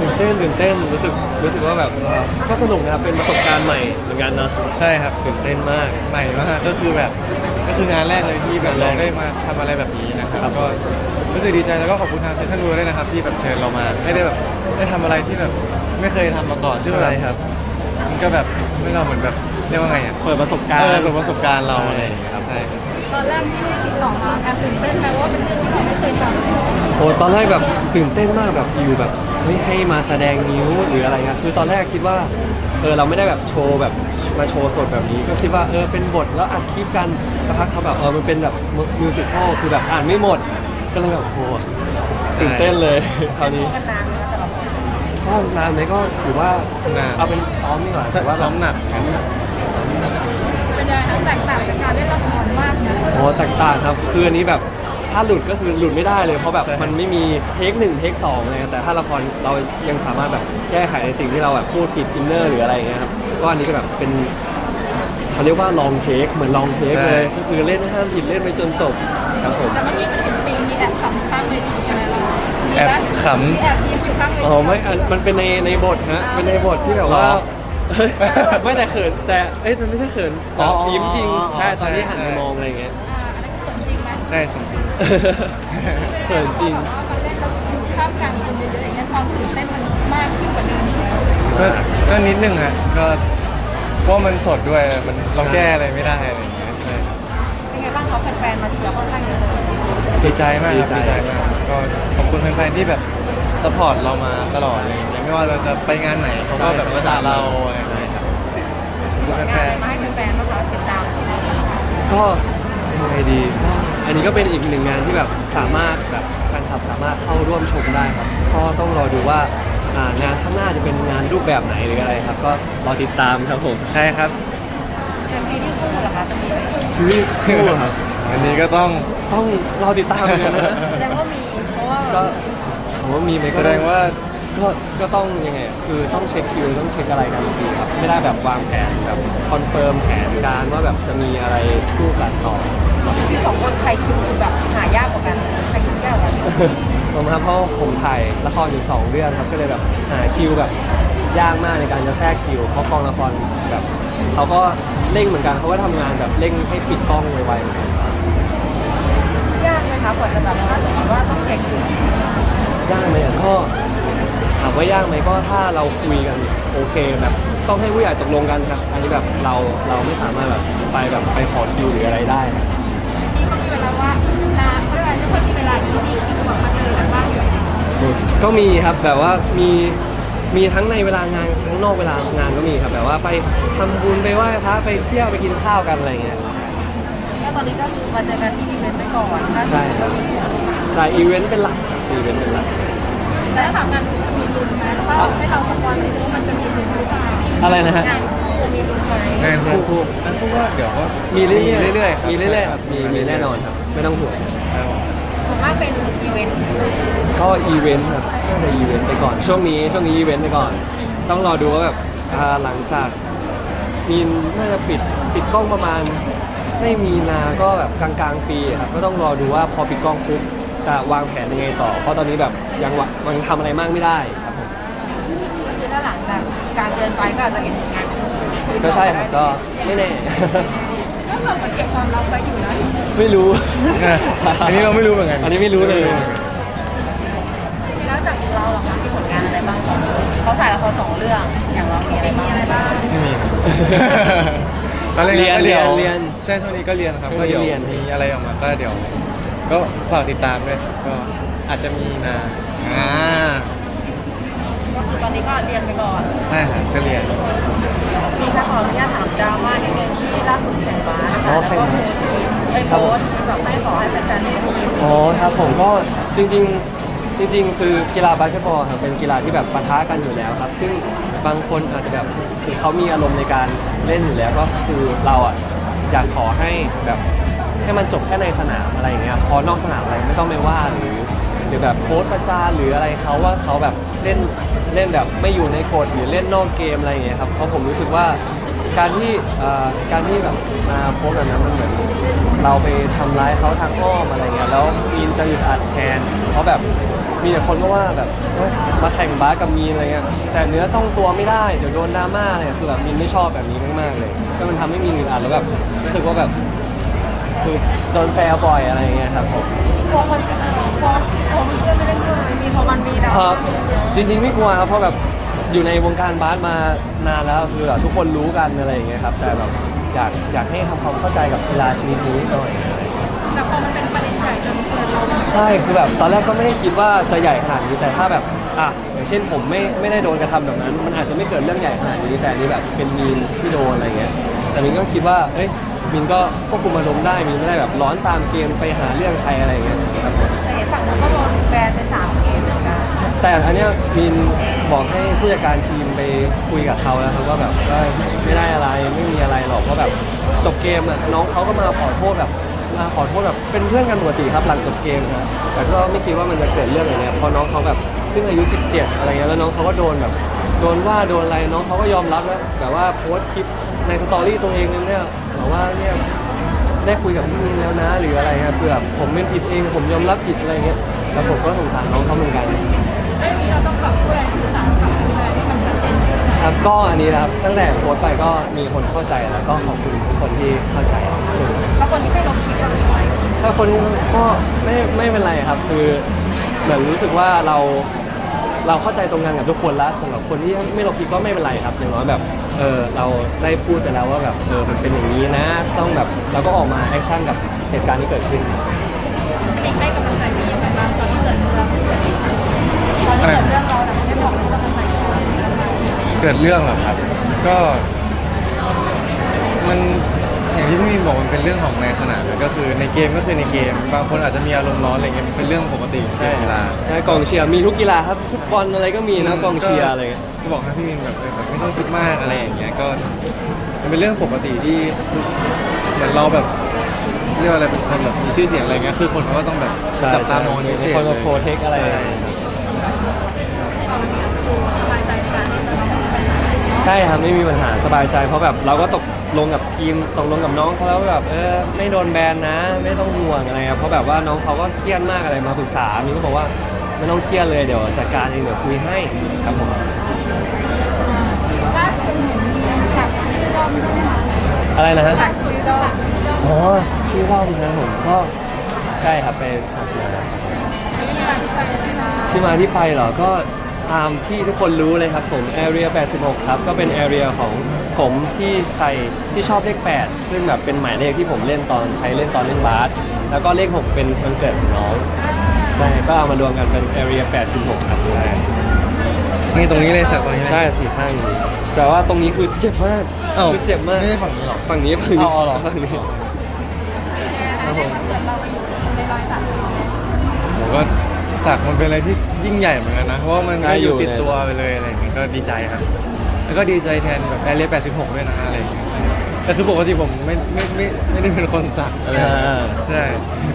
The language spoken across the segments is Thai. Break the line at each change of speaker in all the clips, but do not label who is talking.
ตื่นเต้นรู้สึกว่าแบบก็สนุกนะครับเป็นประสบการณ์ใหม่เหมือนกันเนาะ
ใช่ครับ
ตื่นเต้นมาก
ใหม่มากก็คือแบบก็คืองานแรกเลยที่แบบเราได้มาทำอะไรแบบนี้นะครับก็รู้สึกดีใจแล้วก็ขอบคุณทางเซ็นทรัลเวิลด์ด้วยนะครับที่แบบเชิญเรามาให้ได้แบบได้ทำอะไรที่แบบไม่เคยทำมาก่อนซึ่งแบบ
ใช่ครับ
มันก็แบบไม่เราเหมือนแบบเรียกว่าไงอ่ะ
เปิดประสบการณ์
เปิดประสบการณ์เราอะไรอย่างเงี้ย
ครับ
ใช่ครับ
ตอนแรกที่ติดต่อมาแอบตื่นเต้นไหมว่าเป็นเรื่องที่เราไม่เคยทำ
โอ้ตอนแรกแบบตื่นเต้นมากแบบอยู่แบบเฮ้ยให้มาแสดงนิ้วหรืออะไรเงี้ยคือตอนแรกคิดว่าเราไม่ได้แบบโชว์แบบมาโชว์สดแบบนี้ก็คิดว่าเป็นบทแล้วอัดคลิปกันสักพักเขาแบบมันเป็นแบบมิวสิควลคือแบบอ่านไม่หมดก็เลยแบบโอ้ตื่นเต้นเลยคราวนี้
กันนานไหมคะแต่ละคน
ก็นานไหมก็ถือว่าเอาเป็นซ้อมดีกว่าถือว่า
ซ้อมหนักครับ
เป็นยังไงคะแตกต่างจากการเล่นละครมากนะ
โอ้แตกต่างครับคืออันนี้แบบถ้าหลุดก็คือหลุดไม่ได้เลยเพราะแบบมันไม่มีเทค1เทค2เลยแต่ถ้าละครเรายังสามารถแบบแก้ไขในสิ่งที่เราแบบพูดผิดอินเนอร์หรืออะไรอย่างเงี้ยครับก็อันนี้ก็แบบเป็นเขาเรียกว่าลองเทคเหมือนลองเทคเลยก็คือเล่นห้ามผิดเล่นไปจนจบครับผม
แต่เมื่อกี้มันเห็นมีแอบขำข้างเวทีใช่ไหมเรา
แอบข
มีแอบยิ้มอยู่ข้างเวที
อ๋อไม่มันเป็นในบทฮะเป็นในบทที่แบบว่าเฮ้ยไม่แต่เขินแต่มันไม่ใช่เขินยิ้มจริงใช่ตอนที่หันไปมองอะไรอย่างเงี้ย
อันนั้นคือเขินจริงไหม
ใช่จริง
เขินจริง
ว่ามันเล่นแล้วอยู่ข้ามกลางคนเยอะๆอย่างเงี้ยความตื่นเต้นมันมากขึ้นกว่าเดิม
ก็นิดนึงฮะก็เพราะมันสดด้วยมันเราแก้อะไรไม่ได้อะไรอย่างเงี้ยใช่
เป็นไงบ้างเขาแฟนๆมาเชียร์ค่อนข้างเยอะเลย
ดีใจมากครับ
ดี
ดี
ใจ
ใจมากก็ขอบคุณแฟนๆที่แบบสปอร์ตเรามาตลอดอะไรอย่างเงี้ยไม่ว่าเราจะไปงานไหนเขาก็แบบมาหาเราอะไรอย่างเงี้ยขอบคุณ
งาน
แฟ
อะไร
น
มาให้แฟนๆบ้างคะติดตาม
ก็ยังไงดีอันนี้ก็เป็นอีกหนึ่งงานที่แบบสามารถแบบแฟนคลับสามารถเข้าร่วมชมได้ครับก็ต้องรอดูว่างานข้างหน้าจะเป็นงานรูปแบบไหนหรืออะไรครับ ก็รอติดตามครับผม
ๆใช่ครับ
เป็นซีรีส์คู่เหรอคะจะมีไหม
ซีรีส์คู่ครับ
อันนี้ก็ต้อง
ต้องรอติดตามกันนะ
แสดงว่ามีเพราะว่า
ก็ผมว่ามีไหม
แส
ก็
ดงว่า
ก็ต้องยังไงคือต้องเช็คคิวต้องเช็คอะไรกันอีกทีครับไม่ได้แบบวางแผนแบบคอนเฟิร์มแผนการว่าแบบจะมีอะไรคู่กันต่อ
ที่สองคนใครคิวแบบหายากกว่ากันใครคิวยากกว่ากัน
ผมครับเพราะผมถ่ายละครอยู่2เรื่องครับก็เลยแบบหาคิวแบบยากมากในการจะแทรกคิวเพราะกองละครแบบเขาก็เร่งเหมือนกันเขาก็ทำงานแบบเร่งให้ปิดกล้องไวๆเหมือนกัน
ยากไหมคะกว่าจะแบบถ้าสมมติว่าต้องแข่งคิวย
ากไหมก็ถามว่ายากไหมก็ถ้าเราคุยกันโอเคแบบต้องให้ผู้ใหญ่ตกลงกันครับอันนี้แบบเราไม่สามารถแบบไปขอคิวหรืออะไรได้ครับ
พี่ก็มีเวลาว่านาเพราะว่าจะค่อยมีเวลาที่มีคิวแบบมาเจอกันบ้างอยู่
ก็มีครับแบบว่ามีทั้งในเวลางานทั้งนอกเวลางานก็มีครับแบบว่าไปทำบุญไปไหว้พระไปเที่ยวไปกินข้าวกันอะไรเงี้ย
ก็ตอนนี้ก็คือมาเจอกันที่อีเวนต์ไปก่อนถ้า
ใช่ครับแต่อีเวนต์เป็นหลักอีเวนต์เป็นหลัก
แต่ถ้าถามงานมีลุ้นไหมถ้าให้เราสปอยไม่รู้มันจะมีลุ้นหรือเปล่า
อะไรนะฮะ
งานจะมีลุ้นไหม
งานคู่งานคู่ก็เดี๋ยวก็
มีเรื่อยๆ
ๆครับ
มีเรื่อยๆครับมีแน่นอนครับไม่ต้องห่วง
ครับ
ส่วนมากเป็นอีเวนต์
ก็อีเวนต์ครับก็จะอีเวนต์ไปก่อนช่วงนี้อีเวนต์ไปก่อน ต้องรอดูว่าแบบหลังจากมีน่าจะปิดกล้องประมาณไม่มีนาก็แบบกลางปีครับก็ต้องรอดูว่าพอปิดกล้องปุ๊บจะวางแผนยังไงต่อ เพราะตอนนี้แบบยังทำอะไรมากไม่ได้ครับผม
ก็คือถ้าหลังจากการเดินไปก็อาจจะเห็นผลงานคู่
ก็ใช่ครับก็ไม่แน่
ก็แบบเก็บความลับไว้อยู่นะ
ไม่รู้
อันนี้เราไม่รู้เหมือนกัน
อันนี้ไม่รู้เลย
แล้วจากเราเหรอคะมีผลงานอะไรบ้างเขาถ่ายละคร2 เรื่องอย่างเรามีอะไรบ้าง
ไม่มีครับตอนแรก
เรียน
ก็เดี๋ยว
เรียน
ใช่ช่วงนี้ก็เรียนครับ
ช่วง
ก็
นี้
เดี๋ยว
เรียน
มีอะไรออกมาก็เดี๋ยวก็ฝากติดตามด้วยครับก็อาจจะมีมา
ก็คือตอนนี้ก็เรียนไปก่อน
ใช่ครับก็เรียน
มีค่ะขออนุญาตถามดราม่านิดนึงที่ล่าสุดแข่งบาสนะคะแล้วก็มีโพสต์แบบไม่ขอให้แฟนๆทีม
อ๋อครับผมก็จริงคือกีฬาบาสเกตบอลครับเป็นกีฬาที่แบบปะทะกันอยู่แล้วครับ ซึ่งบางคนอาจจะแบบคือเขามีอารมณ์ในการเล่นอยู่แล้วก็คือเราอ่ะอยากขอให้แบบให้มันจบแค่ในสนามอะไรอย่างเงี้ยพอนอกสนามอะไรไม่ต้องไปว่าหรือแบบโค้ชประจานหรืออะไรเขาว่าเขาแบบเล่นแบบไม่อยู่ในกฎหรือเล่นนอกเกมอะไรอย่างเงี้ยครับเพราะผมรู้สึกว่าการที่แบบมาโพสต์แบบนั้นมันเหมือนเราไปทำร้ายเขาทางอ้อมอะไรเงี้ยแล้วมีนจะอึดอัดแทนเพราะแบบมีแต่คนก็ว่าแบบเอ้ยมาแข่งบาสกับมีนอะไรเงี้ยแต่เนื้อต้องตัวไม่ได้เดี๋ยวโดนดราม่าอะไรคือแบบมีนไม่ชอบแบบนี้มากๆเลยก็มันทำให้มีนอึดอัดแล้วแบบรู้สึกว่าแบบคือโดนแฟร์บ่อยอะไรเงี้ยครับผม
กลัวคนกลัวเพื่อนไม่เล่นด้วยมีพอมันมีดรา
ค
ม่า
รับจริงๆไม่กลัวครับเพราะแบบอยู่ในวงการบาสมานานแล้วคือแบบทุกคนรู้กันอะไรอย่างเงี้ยครับแต่แบบอยากให้ทำความเข้าใจกับกีฬาชนิดนี้หน่อย
แต่พอมันเป็นประเด็นใหญ่จนเกิดเรา
ใช่คือแบบตอนแรกก็ไม่ได้คิดว่าจะใหญ่ขนาดนี้แต่ถ้าแบบอย่างเช่นผมไม่ได้โดนกระทำแบบนั้น มันอาจจะไม่เกิดเรื่องใหญ่ขนาดนี้แต่อันนี่แบบเป็นมีนที่โดนอะไรเงี้ยแต่มินก็คิดว่าเอ้ยมินก็ควบคุมอารมณ์ได้มินไม่ได้แบบร้อนตามเกมไปหาเรื่องใครอะไรเงี้ยครับผม
แต่เห็นฝั่งนู้นก็โดนแบนไป3 เกมเหมือนกัน
แต่อันเนี้ยมินบอกให้ผู้จัดการทีมไปคุยกับเขาแล้วครับว่าแบบไม่ได้อะไรไม่มีอะไรหรอกเพราะแบบจบเกมอ่ะน้องเขาก็มาขอโทษแบบเป็นเพื่อนกันปกติครับหลังจบเกมครับแต่ก็ไม่คิดว่ามันจะเกิดเรื่องอย่างเงี้ยเพราะน้องเขาแบบเพิ่งอายุ17อะไรเงี้ยแล้วน้องเขาก็โดนแบบโดนว่าโดนอะไรน้องเขาก็ยอมรับแล้วแบบว่าโพสต์คลิปในสตอรี่ตัวเองนึงเนี่ยบอกว่าเนี่ยได้คุยกับพี่มินแล้วนะหรืออะไรครับคือแบบผมเป็นผิดเองผมยอมรับผิดอะไรเงี้ยแล้วผมก็สงสารน้องเขาเหมือนกัน
ไม่มีเราต้องปรับพูดอะไรสื่อสารกับแฟนให้มันชัดเจนขึ้น
ครับก็อันนี้นะครับตั้งแต่โพสต์ไปก็มีคนเข้าใจแล้วก็ขอบคุณทุกคนที่เข้าใจ
แล้วคนที่ไม่ลงคลิปเราเป็นใคร
ถ้าคนก็ไม่เป็นไรครับคือเหมือนรู้สึกว่าเราเข้าใจตรงกันกับทุกคนแล้วสำหรับคนที่ไม่ลงคลิปก็ไม่เป็นไรครับอย่างน้อยแบบเราได้พูดไปแล้วว่าแบบมันเป็นอย่างนี้นะต้องแบบเราก็ออกมาแอคชั่นกับเหตุการณ์ที่เกิดขึ้น
สิ่งให้กำลังใจดียังไงบ้างตอนที่เกิดเรื่องเราได้บอกให้กำลังใจเรา
เกิดเรื่องเหรอครับ ก็มันอย่างที่พี่มีนบอกมันเป็นเรื่องของในสนามก็คือในเกมก็คือในเกม บางคนอาจจะมีอารมณ์ร้อนอะไรเงี้ยมันเป็นเรื่องปกติของกีฬา
ใช่กองเชียร์มีทุกกีฬาครับฟุตบอลอะไรก็มีนะกองเชียร์อะไรเงี้ย
ก็บอกให้พี่มีนแบบไม่ต้องคิดมากอะไรอย่างเงี้ยก็มันเป็นเรื่องปกติที่เหมือนเราแบบเรียกว่าอะไรเป็นคนแบบมีชื่อเสียงอะไรเงี้ยคือคนเขาก็ต้องแบบจับตามองเป็นพิเศษ
คน
เล
มาย โปรเทคอะไร
ใช่
สบายใจกัน
ใช่ครับไม่มีปัญหาสบายใจเพราะแบบเราก็ตกลงกับทีมตกลงกับน้องเขาแล้วว่าแบบไม่โดนแบนนะ ไม่ต้องห่วงอะไรครับเพราะแบบว่าน้องเขาก็เครียดมากอะไรมาปรึกษามีก็บอกว่าไม่ต้องเครียดเลยเดี๋ยวจัดการเองเดี๋ยวคุยให้ครับผม
ถ้าเป็นเหมือนมีสักชื่อรอบใช่ไหมคะ
อะไรนะฮะ
สักชื่อรอบ
อ๋อชื่อรอบนะครับผมก็ใช่ครับไปสักมา
ไม่ได้มาที่ใช่ไหมคะ
ที่มาที่ไปเหรอก็ตามที่ทุกคนรู้เลยครับผม Area 86 ครับก็เป็น Area ของผมที่ใส่ที่ชอบเลข 8 ซึ่งแบบเป็นหมายเลขที่ผมเล่นตอนใช้เล่นตอนเล่นบาสแล้วก็เลข 6 เป็นวันเกิดของน้องใช่ก็เอามารวมกันเป็น Area 86 ครับ
นี่ตรงนี้เลยสักตรงนี้เลย
ใช่สี่ข้างนี้แต่ว่าตรงนี้คือเจ็บมาก
อ้าว
คือเจ็บมาก
ไม่ใช่ฝั่งนี้หรอ
ฝั่งนี้ฝั่งนี้
เอาเหรอ
ฝั่งนี้ครับผม
เกิดเราไปอยู่ในรอยสัก
ผมก็สักมันเป็นอะไรที่ยิ่งใหญ่เหมือนกันนะเพราะว่ามันก็อยู่ติดตัวไปเลยอะไรอย่างเงี้ยก็ดีใจครับ แล้วก็ดีใจแทนแบบแอเรีย86 ด้วยนะอะไรอย่างเงี้ยใช่แต่คือปกติผมไม่ได้เป็นคนสักอะไรอย่างเงี้ยใช่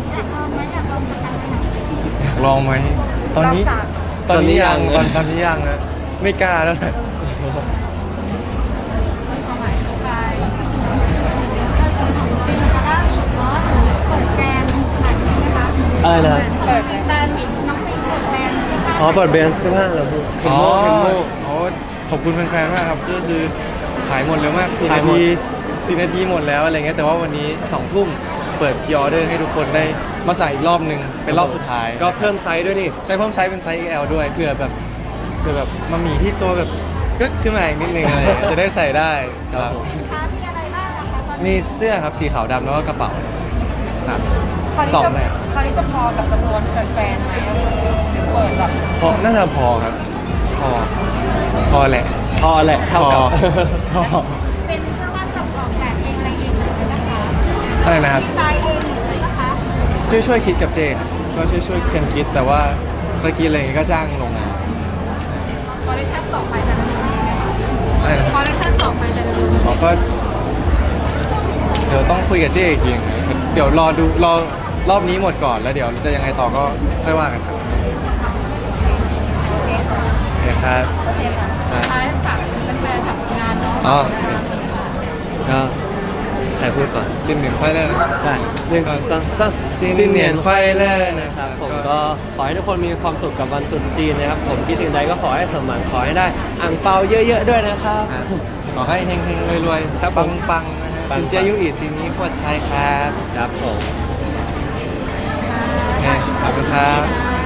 อยากลองไหมตอนนี้ยังตอนนี้ยังนะไม่กล้าแล้วแหละ
ความหมายของกายเป็นล่าสุดเนาะเปิดแบรนด์ใหม่ใช่ไหมคะ
อะไรนะ
เปิดแบรนด์น้องปิงเปิดแบรนด์ที่ค่าย
อ๋อเปิดแบรนด์เสื้อผ้าเหรอพี่เป็นโม่เป็นโม่
อ๋อขอบคุณแฟนๆมากครับก็คือขายหมดเร็วมาก4
ขา
นาย
หมด
ที4 นาทีหมดแล้วอะไรเงี้ยแต่ว่าวันนี้2 ทุ่มเปิดพิออเดอร์ให้ทุกคนได้มาใส่อีกรอบหนึ่งเป็นรอบสุดท้าย
ก็เพิ่มไซส์ด้วยนี่
ใช้เพิ่มไซส์เป็นไซส์ XL ด้วยเพื่อแบบมามีที่ตัวแบบก็ขึ้นมาอีกนิดนึงอะไรเงี้ยจะได้ใส่ได้ครับ
ค้ามีอะไรบ้างนะคะตอนนี้
นี่เสื้อครับสีขาวดำแล้วก็กระเป๋าสาม
คราวนี้
สอง
จะ
แบบ
คราวนี้จะพอกับจำนวนแฟนๆไหมเปิดแบบ
พอน่าจะพอครับพอแหละ
พอแหละเท่ากับ
พอ
เป็นเสื้อผ้าสับออกแบบเองอะไรเองเลยนะคะ
อะไรนะครับ
ดีไซน์เองเลยนะคะ
ช่วยคิดกับเจครับก็ช่วยกันคิดแต่ว่าสกรีนอะไรอย่างเงี้ยก็จ้างลงงาน
คอลเลคชั่นต่อไปจะดำเนินยังไง
อะไรนะ
คอลเลคชั่นต่อไปจะดำเนินยังไง
เราก็เดี๋ยวต้องคุยกับเจ๊อีกทีนึงเดี๋ยวรอรอบนี้หมดก่อนแล้วเดี๋ยวจะยังไงต่อก็ค่อยว่ากันครับ
โอเคค่ะ
โอเคครับ
โอเคค่ะท้ายฝากแฟนๆกับงานเนาะ
อ๋อ
ก็ใครพูดก่อน
ซินเหนียนควายเลอร์นะครับ
ใช่หนึ่งสองสาม
ซินเนียนควายเลอร์นะ
นะ
ค
ค
รั
รั
บบ
ผมก็ขอให้ทุกคนมีความสุขกับวันตรุษจีนนะครับผมคิดสิ่งใดก็ขอให้สมหวังขอให้ได้อ่างเปาเยอะๆด้วยนะครับ
ขอให้เฮงๆรวย
ครับ
ๆ
ผ
ปั
ม
งๆนะฮะ
ปังๆ
สินเจียยุอีซีนี้พวดชัยครับ
ครับผม
โอเคขอบคุณครับ